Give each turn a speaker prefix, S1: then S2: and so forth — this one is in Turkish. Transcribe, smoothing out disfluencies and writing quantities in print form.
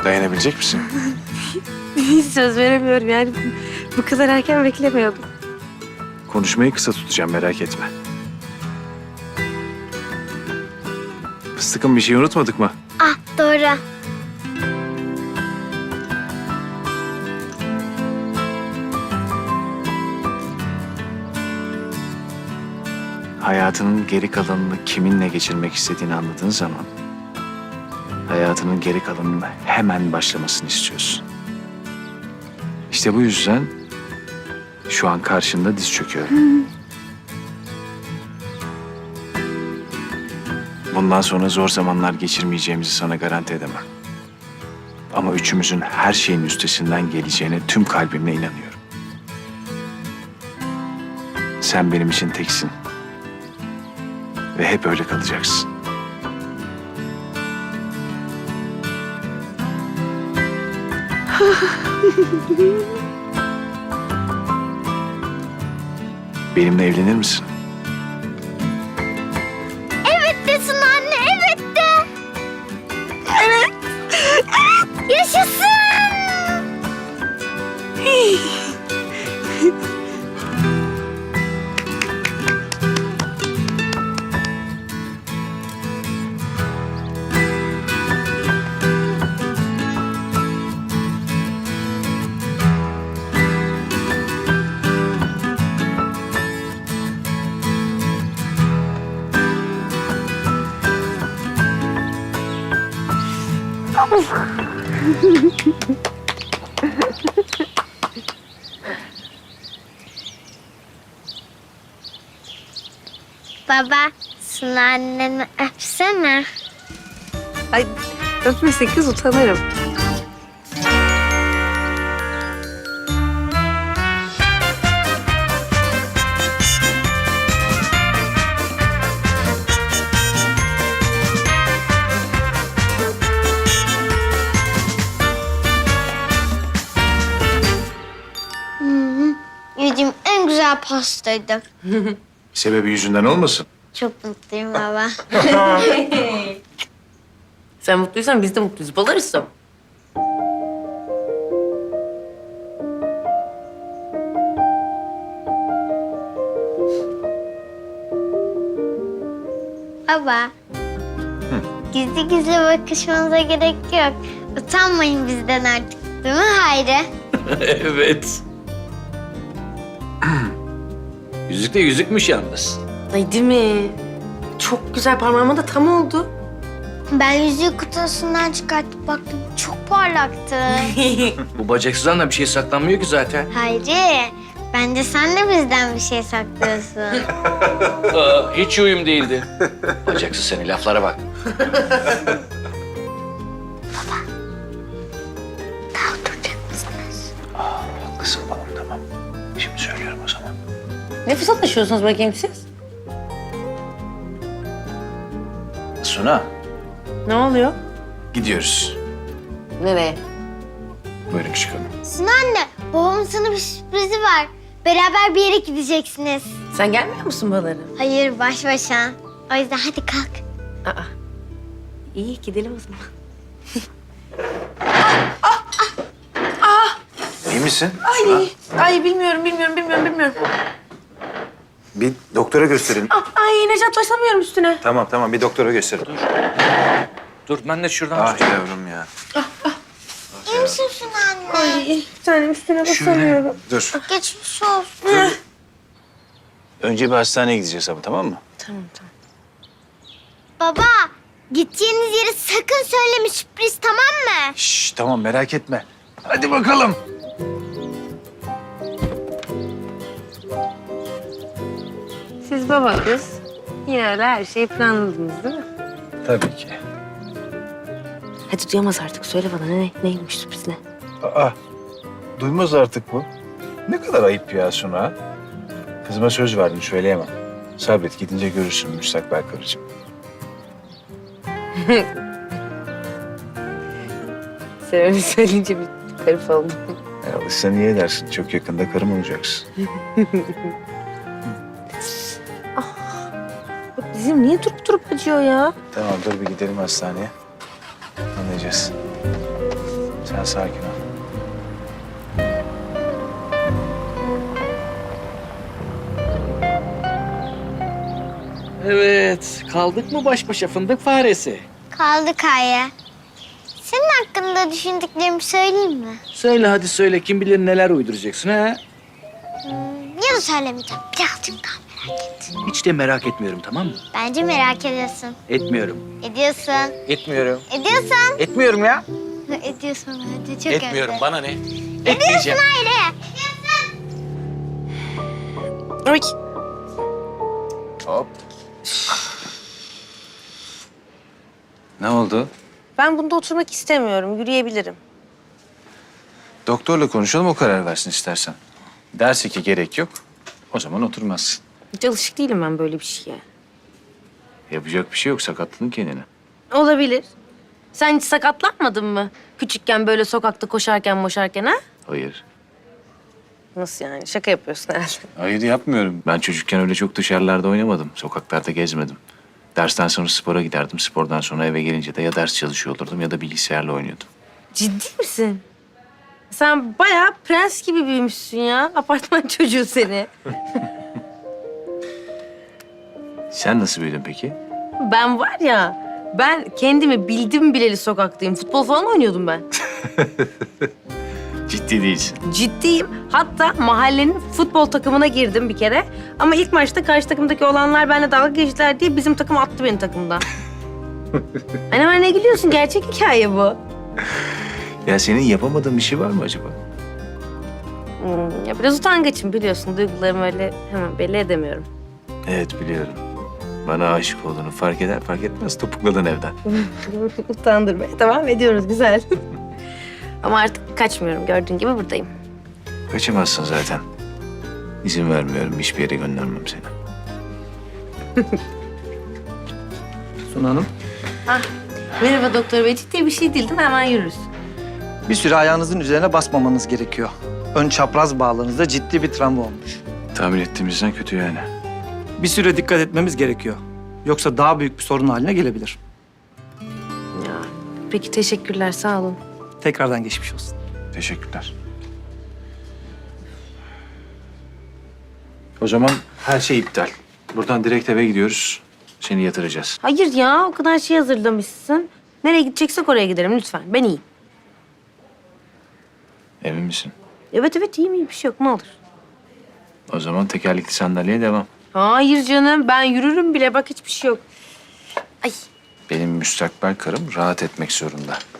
S1: Dayanabilecek misin?
S2: Hiç söz veremiyorum yani. Bu kadar erken beklemiyordum.
S1: Konuşmayı kısa tutacağım, merak etme. Fıstıkım, bir şey unutmadık mı?
S3: Ah doğru.
S1: Hayatının geri kalanını kiminle geçirmek istediğini anladığın zaman... hayatının geri kalanının hemen başlamasını istiyorsun. İşte bu yüzden şu an karşında diz çöküyorum. Bundan sonra zor zamanlar geçirmeyeceğimizi sana garanti edemem. Ama üçümüzün her şeyin üstesinden geleceğine tüm kalbimle inanıyorum. Sen benim için teksin. Ve hep öyle kalacaksın. Benimle evlenir misin?
S3: Evet desin anne, evet de. Evet. Yaşasın. Baba, Suna anneni öpsene.
S2: Ay öpmesin kız, utanırım.
S3: Yediğim en güzel pastaydı.
S1: Sebebi yüzünden olmasın?
S3: Çok mutluyum baba.
S2: Sen mutluysan biz de mutluyuz. Balarız.
S3: Baba. Gizli gizli bakışmanıza gerek yok. Utanmayın bizden artık. Değil mi Hayri?
S4: Evet. Yüzük de yüzükmüş yalnız.
S2: Ay değil mi? Çok güzel, parmağıma da tam oldu.
S3: Ben yüzüğü kutusundan çıkartıp baktım. Çok parlaktı.
S4: Bu bacaksızdan da bir şey saklanmıyor ki zaten.
S3: Hayri, bence sen de bizden bir şey saklıyorsun.
S4: Hiç uyum değildi. Bacaksız seni, laflara bak.
S3: Daha oturacak mısınız?
S1: Haklısın balım, tamam. Şimdi söylüyorum o zaman.
S2: Ne fısıldaşıyorsunuz bakayım siz?
S1: Suna,
S2: Ne oluyor?
S1: gidiyoruz.
S2: Nereye?
S1: Buyurun çıkalım.
S3: Suna anne, babamın sana bir sürprizi var. Beraber bir yere gideceksiniz.
S2: Sen gelmiyor musun balara?
S3: Hayır, baş başa. O yüzden hadi kalk.
S2: Aa. İyi, gidelim o zaman.
S1: İyi misin?
S2: Ay bilmiyorum.
S1: Bir doktora gösterin.
S2: Ay Necat, başlamıyorum üstüne.
S1: Tamam, bir doktora gösterin.
S4: Dur ben de şuradan
S1: Ah
S4: tutayım.
S1: yavrum ya.
S3: İyi misin Suna anne?
S2: Ay bir tanem, üstüne
S1: Şöyle,
S2: basamıyorum.
S1: dur.
S3: Geçmiş olsun.
S1: Önce bir hastaneye gideceğiz ama, tamam mı?
S2: Tamam.
S3: Baba, gideceğiniz yeri sakın söyleme, sürpriz, tamam mı?
S1: Şşş, tamam, merak etme. Hadi bakalım.
S2: Siz baba kız yine öyle her şeyi planladınız değil mi?
S1: Tabii ki.
S2: Hadi duyamaz artık, söyle bana neymiş sürpriz ne?
S1: Aa, duymaz artık bu. Ne kadar ayıp ya Suna. Kızıma söz verdim, söyleyemem. Sabret, gidince görürsün müstakbel karıcığım.
S2: Sen öyle söyleyince bir garip oldum.
S1: Alışsan iyi edersin. Çok yakında karım olacaksın.
S2: Bak bizim niye durup acıyor ya?
S1: Tamam, dur bir gidelim hastaneye. Anlayacağız. Sen sakin ol.
S4: Evet, kaldık mı baş başa fındık faresi?
S3: Kaldık Ayya. Senin hakkında düşündüklerimi söyleyeyim mi?
S4: Söyle hadi söyle, kim bilir neler uyduracaksın ha?
S3: Ya da söylemeyeceğim. Birazcık daha merak et.
S4: Hiç de merak etmiyorum, tamam mı?
S3: Bence merak ediyorsun.
S4: Etmiyorum.
S3: Ediyorsun.
S4: Etmiyorum.
S3: Ediyorsun.
S4: Etmiyorum ya.
S3: Ediyorsun bence. Çok
S4: Etmiyorum,
S3: öyle.
S4: bana ne?
S3: Ediyorsun
S4: Etmeyeceğim.
S3: Hayri.
S2: Oy.
S1: Hop. Ne oldu?
S2: Ben bunda oturmak istemiyorum. Yürüyebilirim.
S1: Doktorla konuşalım, o karar versin istersen. Derse ki gerek yok, o zaman oturmazsın.
S2: Hiç alışık değilim ben böyle bir şeye.
S1: Yapacak bir şey yok, sakatladın kendini.
S2: Olabilir. Sen hiç sakatlanmadın mı? Küçükken böyle sokakta koşarken ha?
S1: Hayır.
S2: Nasıl yani? Şaka yapıyorsun herhalde.
S1: Hayır yapmıyorum. Ben çocukken öyle çok dışarılarda oynamadım. Sokaklarda gezmedim. Dersten sonra spora giderdim. Spordan sonra eve gelince de ya ders çalışıyor olurdum ya da bilgisayarla oynuyordum.
S2: Ciddi misin? Sen bayağı prens gibi büyümüşsün ya. Apartman çocuğu seni.
S1: Sen nasıl büyüdün peki?
S2: Ben var ya, ben kendimi bildim bileli sokaktayım. Futbol falan oynuyordum ben.
S1: Ciddi değilsin.
S2: Ciddiyim. Hatta mahallenin futbol takımına girdim bir kere. Ama ilk maçta karşı takımdaki olanlar benimle dalga geçtiler diye bizim takım attı beni takımdan. Anne bana ne gülüyorsun? Gerçek hikaye bu.
S1: Ya senin yapamadığın bir şey var mı acaba?
S2: Ya biraz utangaçım biliyorsun. Duygularımı öyle hemen belli edemiyorum.
S1: Evet biliyorum. Bana aşık olduğunu fark eder fark etmez topukladın evden.
S2: Utandırmaya devam ediyoruz. Güzel. Ama artık kaçmıyorum. Gördüğün gibi buradayım.
S1: Kaçamazsın zaten. İzin vermiyorum. Hiçbir yere göndermem seni.
S5: Suna Hanım,
S2: Merhaba doktor bey. Ciddi bir şey değil değil mi? Hemen yürürüz.
S5: bir süre ayağınızın üzerine basmamanız gerekiyor. Ön çapraz bağlarınızda ciddi bir travma olmuş.
S1: Tahmin ettiğimizden kötü yani.
S5: Bir süre dikkat etmemiz gerekiyor. Yoksa daha büyük bir sorun haline gelebilir.
S2: Ya, peki teşekkürler. Sağ olun.
S5: Tekrardan geçmiş olsun.
S1: Teşekkürler. O zaman her şey iptal. Buradan direkt eve gidiyoruz. Seni yatıracağız.
S2: Hayır ya. O kadar şey hazırlamışsın. Nereye gideceksek oraya gidelim lütfen. Ben iyiyim.
S1: Emin misin?
S2: Evet evet iyiyim. Bir şey yok. Ne olur.
S1: O zaman tekerlekli sandalyeye devam.
S2: Hayır canım. Ben yürürüm bile. Bak hiçbir şey yok. Ay.
S1: Benim müstakbel karım rahat etmek zorunda.